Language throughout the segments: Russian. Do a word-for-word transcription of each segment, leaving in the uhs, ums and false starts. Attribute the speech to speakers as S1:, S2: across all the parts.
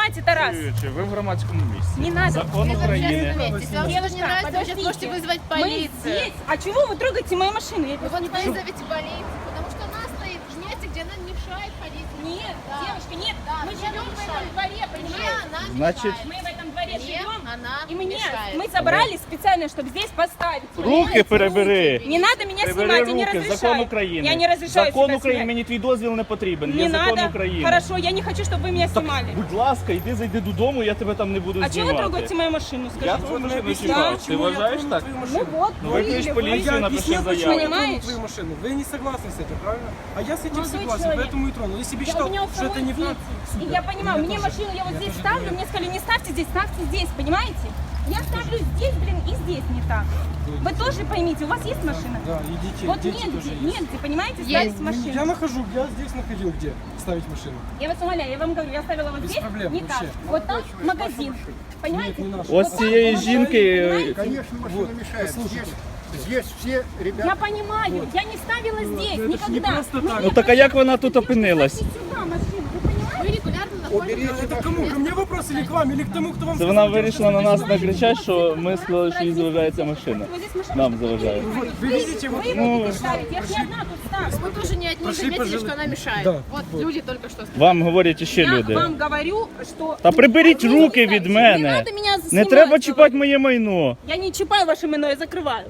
S1: снимайте, Тарас.
S2: Ви в громадському місці.
S1: Не надо.
S2: Закон
S3: Вы в
S2: України.
S3: общественном месте. Если вам что-то не нравится, вы сейчас
S1: подождите.
S3: можете вызвать
S1: Мы
S3: полицию.
S1: здесь. А чего вы трогаете мою машину? Я
S3: Вы
S1: просто
S3: вот
S1: не пойму.
S3: вызовите полицию, потому что она стоит в месте, где она не мешает ходить.
S1: Нет,
S3: Да.
S1: девушка, нет.
S3: Да,
S1: Мы
S3: мне
S1: живем
S3: не
S1: в этом
S3: мешает.
S1: дворе,
S3: Мне
S1: понимаете?
S3: она
S2: Значит,
S3: мешает.
S1: Мы в этом дворе
S3: Мне
S1: живем.
S3: она
S1: И мне,
S3: мешает.
S1: мы собрали специально, чтобы здесь поставить.
S2: Руки перебери.
S1: Не надо меня
S2: Прибери
S1: снимать, я не
S2: руки,
S1: разрешаю.
S2: закон України.
S1: Я не разрешаю
S2: Закон
S1: себя
S2: України,
S1: снимать.
S2: мені твій дозвіл не потрібен.
S1: Не
S2: Є закон
S1: надо.
S2: України.
S1: Хорошо, я не хочу, чтобы вы меня снимали.
S2: Будь ласка, йди, зайди додому, я тебе там не буду
S1: А чего
S2: знімати.
S1: вы трогаете мою машину,
S2: Я
S1: скажите?
S2: твою машину
S4: объясните,
S2: чіпав. Ти
S4: почему я
S2: вважаєш
S4: трону
S2: так?
S4: твою
S1: Ну
S4: машину?
S1: вот,
S2: Ну
S1: вы
S2: виклич
S1: или вы.
S2: поліцію,
S4: Я
S2: напиши
S4: объяснил, почему
S2: заяву.
S4: я трону
S1: Понимаешь?
S4: твою машину. Вы не согласны с этим, правильно? А я с этим
S1: Молодой
S4: согласен,
S1: человек.
S4: поэтому и тронул. Если бы
S1: Я,
S4: считал,
S1: у меня
S4: что это не так,
S1: дети. И я понимаю,
S4: У меня
S1: мне
S4: тоже.
S1: машину я вот
S4: Я
S1: здесь
S4: тоже
S1: ставлю,
S4: думаю.
S1: мне сказали, не ставьте здесь, ставьте здесь, понимаете? Я ставлю здесь, блин, и здесь не так. Вы тоже поймите, у вас есть машина?
S4: Да, и детей,
S1: Вот
S4: дети
S1: негде,
S4: тоже есть.
S1: негде, понимаете,
S3: Есть.
S1: ставить
S4: Ну,
S1: машину.
S4: Я нахожу, я здесь находил, где ставить машину.
S1: Я вас умоляю, я вам говорю, я ставила вот
S4: Без
S1: здесь,
S4: проблем,
S1: не так.
S4: вообще.
S1: Вот там магазин, понимаете?
S4: Нет, не наша.
S2: Ось
S1: Вот
S2: цієї
S1: так,
S2: жінки
S1: понимаете?
S5: Конечно, машина
S4: Вот,
S5: мешает.
S4: послушайте.
S5: Здесь, здесь все ребята...
S1: Я понимаю, я не ставила здесь,
S4: это ж не
S1: никогда.
S4: просто
S1: Ну,
S4: так.
S2: Ну так а як вона тут опинилась?
S1: ставьте сюда машину, вы понимаете?
S3: Вы регулярно находитесь.
S5: Уберите
S4: Это кому? Ко мне вопрос или к вам, или к тому, кто вам
S2: Це
S4: сказал,
S2: вона
S4: что
S2: вирішила на
S4: это
S2: нас
S4: здесь
S2: накричати, що ми сказали, що їй заважається машина.
S1: Вот здесь машина.
S2: Нам заважає.
S4: Вот, вы видите, вот
S1: Вы
S2: Ну,
S1: будете ставить, я же не одна тут ставлю.
S3: Вы тоже не одни
S4: Прошли,
S3: заметили,
S4: пожалуй.
S3: что она мешает.
S4: Да,
S3: Вот,
S4: вот.
S3: люди только что сказали.
S2: Вам говорять іще
S1: Я
S2: люди.
S1: вам говорю, что...
S2: Та приберіть руки від
S1: Не
S2: мене.
S1: надо меня
S2: Не
S1: снимать,
S2: треба
S1: говорю.
S2: чіпати моє майно.
S1: Я не чипаю ваше майно, я закрываю.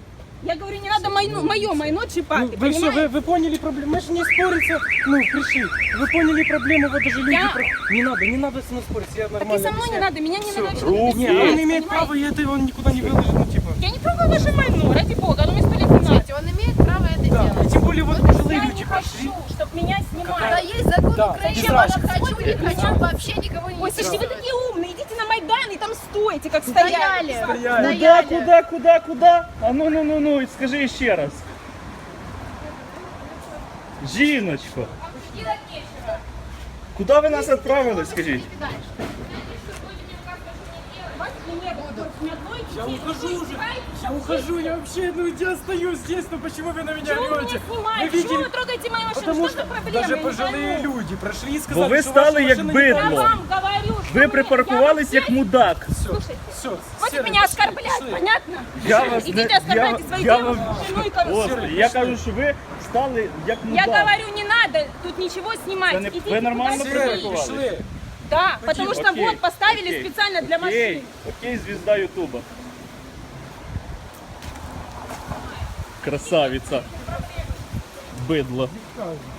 S1: Я говорю, не надо майно, мое майно чипать,
S4: Ну,
S1: ты
S4: вы все,
S1: понимаешь?
S4: вы, вы поняли проблему, мы же не спориться, ну, пришли. Вы поняли проблему, вот даже люди...
S1: Я-
S4: про- Не надо, не надо со мной спорить, я
S1: Так и
S4: нормально
S1: со мной не
S4: объясняю.
S1: надо, меня не
S4: Всё,
S1: надо вообще
S2: руки.
S1: не
S4: Не,
S1: снимать,
S4: он имеет
S1: понимаете?
S4: право, и это он никуда не выложит, ну, типа...
S1: Я не трогаю ваше майно, ради бога, оно мне сто лет не надо.
S3: Смотрите, он имеет право это
S4: Да, и
S3: делать.
S4: тем более вот пожилые
S1: Я
S4: люди
S1: не
S4: прошли.
S1: хочу, чтобы меня снимали.
S3: Когда есть закон
S4: Да,
S3: Украины,
S4: без
S3: я
S4: разницы.
S3: хочу, не хочу, вообще никого не
S1: Ой, слушайте, вы
S3: интересует.
S1: такие умные, идите на Майдан и там стойте, как стояли.
S3: Стояли.
S4: Стояли.
S2: Куда, куда, куда, куда? А ну, ну, ну, ну, скажи ще раз. Жіночко, куди ви нас відправили, скажіть?
S4: Я ухожу уже, я ухожу, я вообще, ну, я остаюсь здесь, ну, почему вы на меня
S1: Чего вы меня
S4: орете?
S1: снимаете?
S4: Вы
S1: Почему вы
S4: видели?
S1: трогаете мою машину?
S4: Потому
S1: Что
S4: что
S1: за проблема?
S4: даже
S1: Я не
S4: пожилые
S1: пойму.
S4: люди прошли и
S2: Бо
S4: сказали,
S2: ви
S4: что ваша
S2: стали як
S4: машина не
S2: бидло.
S1: Я вам говорю, что
S2: Ви
S1: вы-
S2: припаркувались
S1: я
S2: як
S1: вам
S2: мудак.
S4: Все,
S1: Слушайте,
S4: все,
S1: хватит меня оскорблять, понятно?
S2: Я вас не...
S1: Идите оскорбляйте свою
S2: я
S1: девушку,
S2: вам-
S1: жену и короче.
S2: Господи, я кажу, що ви стали як
S1: Я
S2: мудак.
S1: говорю, не надо тут ничего снимать.
S2: Да не-
S1: Идите
S2: вы нормально
S1: куда
S4: Все,
S1: хотите.
S2: припарковали?
S4: пошли.
S1: Да, потому что
S2: Окей,
S1: вот поставили
S2: окей,
S1: специально для
S2: окей,
S1: машин.
S2: Окей, звезда Ютуба. Красавица. Бидло.